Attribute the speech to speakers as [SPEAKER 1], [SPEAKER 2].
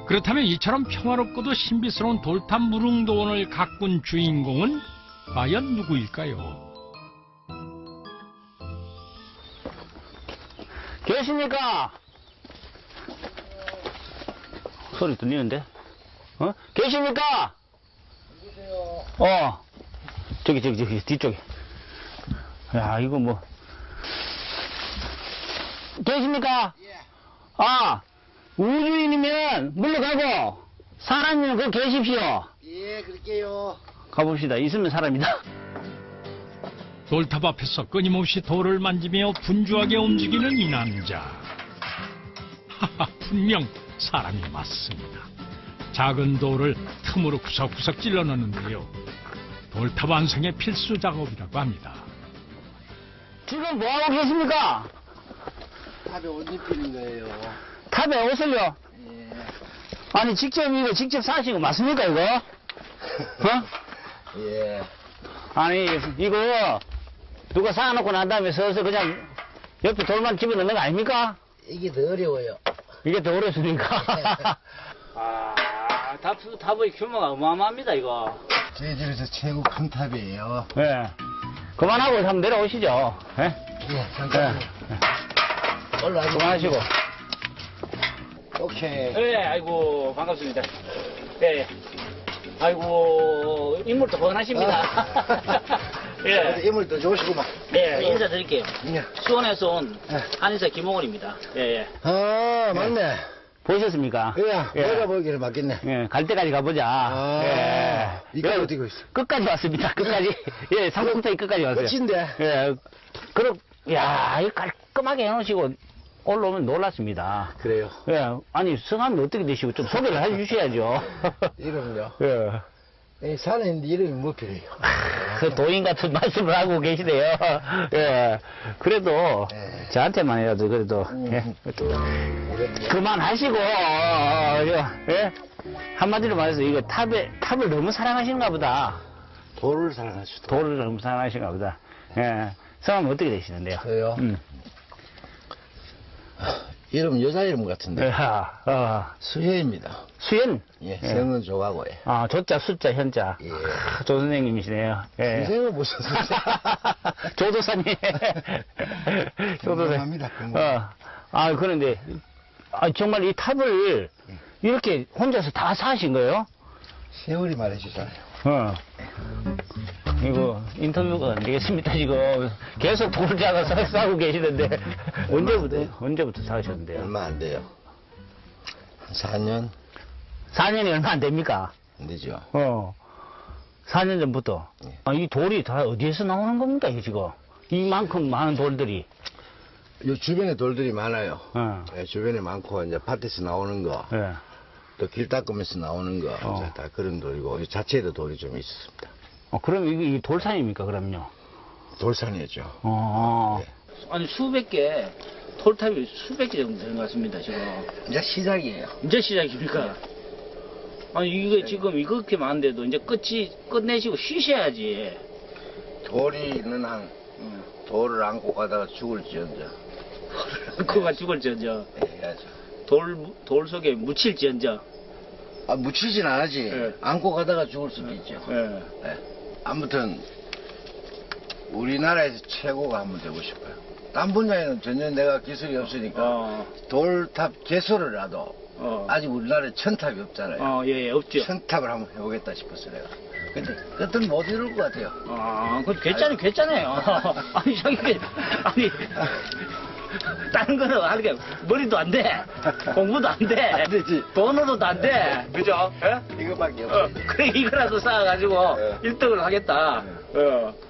[SPEAKER 1] 그렇다면 이처럼 평화롭고도 신비스러운 돌탑 무릉도원을 가꾼 주인공은 과연 누구일까요?
[SPEAKER 2] 계십니까? 소리 들리는데? 어? 계십니까? 누구세요? 저기, 뒤쪽에. 야, 이거 뭐. 계십니까? 예. 아, 우주인이면 물러가고, 사람이면 거기 계십시오.
[SPEAKER 3] 예, 그럴게요.
[SPEAKER 2] 가봅시다. 있으면 사람이다.
[SPEAKER 1] 돌탑 앞에서 끊임없이 돌을 만지며 분주하게 움직이는 이 남자. 하하, 분명 사람이 맞습니다. 작은 돌을 틈으로 구석구석 찔러 넣는데요. 돌탑 완성의 필수 작업이라고 합니다.
[SPEAKER 2] 지금 뭐하고 계십니까?
[SPEAKER 3] 탑에 옷 입히는 거예요.
[SPEAKER 2] 탑에 옷을요?
[SPEAKER 3] 예.
[SPEAKER 2] 아니, 직접 사시고 맞습니까, 이거? 어?
[SPEAKER 3] 예.
[SPEAKER 2] 아니, 이거, 누가 사놓고 난 다음에 서서 그냥 옆에 돌만 집어넣는 거 아닙니까?
[SPEAKER 3] 이게 더 어려워요.
[SPEAKER 2] 이게 더 어렵습니까? 아, 탑의 규모가 어마어마합니다, 이거.
[SPEAKER 3] 저희 집에서 최고 큰 탑이에요.
[SPEAKER 2] 예. 그만하고 한번 내려오시죠. 예?
[SPEAKER 3] 예, 잠깐. 올라가시고.
[SPEAKER 2] 그만하시고.
[SPEAKER 3] 오케이.
[SPEAKER 2] 예, 아이고, 반갑습니다. 예. 아이고, 인물도 뻔하십니다. 예.
[SPEAKER 3] 인물 더 좋으시구만.
[SPEAKER 2] 예, 인사드릴게요.
[SPEAKER 3] 예.
[SPEAKER 2] 수원에서 온
[SPEAKER 3] 예.
[SPEAKER 2] 한의사 김홍원입니다. 예, 예.
[SPEAKER 3] 아, 맞네.
[SPEAKER 2] 보셨습니까?
[SPEAKER 3] 예, 내가 보기에는 맞겠네.
[SPEAKER 2] 예, 갈 때까지 가보자.
[SPEAKER 3] 아,
[SPEAKER 2] 예.
[SPEAKER 3] 이까지
[SPEAKER 2] 예,
[SPEAKER 3] 어디고 있어?
[SPEAKER 2] 끝까지 왔습니다. 끝까지. 예, 상품타이 끝까지 왔어요.
[SPEAKER 3] 끝인데.
[SPEAKER 2] 예. 그럼, 야, 이거 깔끔하게 해놓으시고 올라오면 놀랐습니다.
[SPEAKER 3] 그래요.
[SPEAKER 2] 예. 아니, 성함이 어떻게 되시고 좀 소개를 해주셔야죠.
[SPEAKER 3] 이름요?
[SPEAKER 2] 예.
[SPEAKER 3] 이 산에 있는데 이름이 뭐 필요해요?
[SPEAKER 2] 그 도인 같은 말씀을 하고 계시네요. 예. 그래도
[SPEAKER 3] 예.
[SPEAKER 2] 저한테만 해도 그래도 예. 그만하시고 예. 한마디로 말해서 이거 탑을 너무 사랑하시는가 보다.
[SPEAKER 3] 돌을 사랑하시죠.
[SPEAKER 2] 돌을 너무 사랑하시는가 보다. 예. 성함이 어떻게 되시는데요?
[SPEAKER 3] 저요? 이름 여자 이름 같은데. 수혜입니다.
[SPEAKER 2] 수현?
[SPEAKER 3] 예, 성은 조가고요.
[SPEAKER 2] 아, 조자, 숫자, 현자.
[SPEAKER 3] 예.
[SPEAKER 2] 조 선생님이시네요. 예.
[SPEAKER 3] 선생님은 무슨
[SPEAKER 2] 조도사님.
[SPEAKER 3] 건강합니다, 건강.
[SPEAKER 2] 아, 그런데, 정말 이 탑을 이렇게 혼자서 다 사신 거예요?
[SPEAKER 3] 세월이 말해주잖아요.
[SPEAKER 2] 이거 인터뷰가 안 되겠습니다, 지금. 계속 돌자가 싸고 계시는데. 언제부터 사셨는데요?
[SPEAKER 3] 얼마 안 돼요. 한 4년
[SPEAKER 2] 4년이 얼마 안 됩니까?
[SPEAKER 3] 안 되죠.
[SPEAKER 2] 4년 전부터.
[SPEAKER 3] 예.
[SPEAKER 2] 이 돌이 다 어디에서 나오는 겁니까, 이게 지금? 이만큼 많은 돌들이.
[SPEAKER 3] 요 주변에 돌들이 많아요.
[SPEAKER 2] 어.
[SPEAKER 3] 예, 주변에 많고, 이제 밭에서 나오는 거,
[SPEAKER 2] 예.
[SPEAKER 3] 또 길 닦으면서 나오는 거, 이제 다 그런 돌이고, 이 자체에도 돌이 좀 있었습니다.
[SPEAKER 2] 그럼 이게 돌산입니까, 그럼요?
[SPEAKER 3] 돌산이었죠. 네.
[SPEAKER 2] 아니, 수백 개, 돌탑이 수백 개 정도 되는 것 같습니다, 지금.
[SPEAKER 3] 이제 시작이에요.
[SPEAKER 2] 이제 시작입니까? 아니, 이게 지금 이렇게 많은데도 이제 끝내시고 쉬셔야지.
[SPEAKER 3] 돌이 있는 한, 돌을 안고 가다가 죽을지언정.
[SPEAKER 2] 그가 죽을지언정.
[SPEAKER 3] 예, 해야죠.
[SPEAKER 2] 돌 속에 묻힐지언정.
[SPEAKER 3] 아, 묻히진 않았지.
[SPEAKER 2] 예.
[SPEAKER 3] 안고 가다가 죽을 수도 있죠.
[SPEAKER 2] 예.
[SPEAKER 3] 예. 아무튼, 우리나라에서 최고가 한번 되고 싶어요. 딴 분야에는 전혀 내가 기술이 없으니까, 돌탑 개소를라도, 아직 우리나라에 천탑이 없잖아요.
[SPEAKER 2] 예, 없죠.
[SPEAKER 3] 천탑을 한번 해보겠다 싶었어, 내가. 근데, 그것은 못 이룰 것 같아요.
[SPEAKER 2] 그거 괜찮아요. 아니, 아니, 다른 거는 하는 게 머리도 안 돼. 공부도 안 돼.
[SPEAKER 3] 안 되지.
[SPEAKER 2] 돈으로도 안 돼. 그죠? 예?
[SPEAKER 3] 이거밖에 없어요.
[SPEAKER 2] 그래, 이거라도 쌓아가지고
[SPEAKER 3] 예.
[SPEAKER 2] 1등을 하겠다.